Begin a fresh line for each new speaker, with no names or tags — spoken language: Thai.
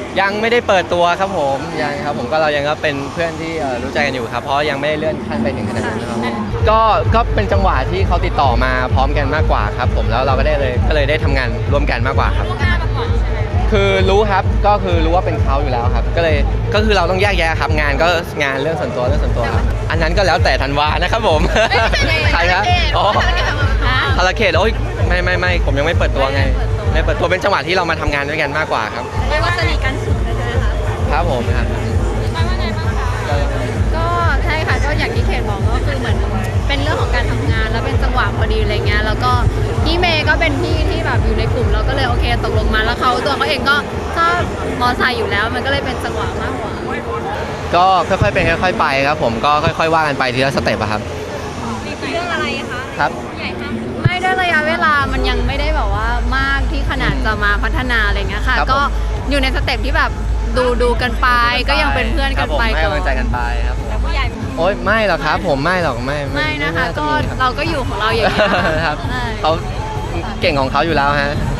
ยังไม่ได้เปิดตัวครับผมยังครับผมก็เรายังก็เป็นเพื่อนที่รู้ใจกันอยู่ครับเพราะยังไม่ได้เลื่อนขั้นไปถึงขนาดนั้นนะครับก็เป็นจังหวะที่เขาติดต่อมาพร้อมกันมากกว่าครับผมแล้วเราก็เลยได้ทำงานร่วมกันมากกว่าครับคือรู้ครับก็คือรู้ว่าเป็นเขาอยู่แล้วครับก็คือเราต้องแยกแยะครับงานก็งานเรื่องส่วนตัวครับอันนั้นก็แล้วแต่ธันวานะครับผมใครครับอ๋อภารเขตโอ้ยไม่ผมยังไม่เปิดตัวไงไม่เปิดตัวเป็นจังหวะที่เรามาทำงานด้วยกันมากกว่าครับ
เรียกว่าสนิทกันสุดเลยใช่ไหมคะ
ครับผมครับ
ก็ใช่ค่ะก็อย่างที่เขตบอกก็คือเหมือนเป็นเรื่องของการทำงานแล้วเป็นจังหวะพอดีอะไรเงี้ยแล้วก็พี่เมย์ก็เป็นพี่ที่แบบอยู่ในกลุ่มเราก็เลยโอเคตกลงมาแล้วตัวเขาเองก็ชอบมอไซค์อยู่แล้วมันก็เลยเป็นจังหวะมากกว่า
ก็ค่อยๆเป็นค่อยๆไปครับผมก็ค่อยๆว่ากันไปทีละสเต็ปครับ
เรื่องอะไรคะ
ครับ
ไม่ได้ระยะเวลามันยังไม่ได้แบบว่ามากที่ขนาดจะมาพัฒนาอะไรเงี้ยค่ะก็อยู่ในสเต็ปที่แบบดูกันไปก็ยังเป็นเพื่อนกันไป
ให้กำลังใจกันไปครับ
แต่ผู้ใหญ่
โอ๊ยไม่หรอกครับผมไม่หรอกไม่
นะคะก็เราก็อยู่ของเราอย่างนี้
ครับเขาเก่งของเขาอยู่แล้วฮะ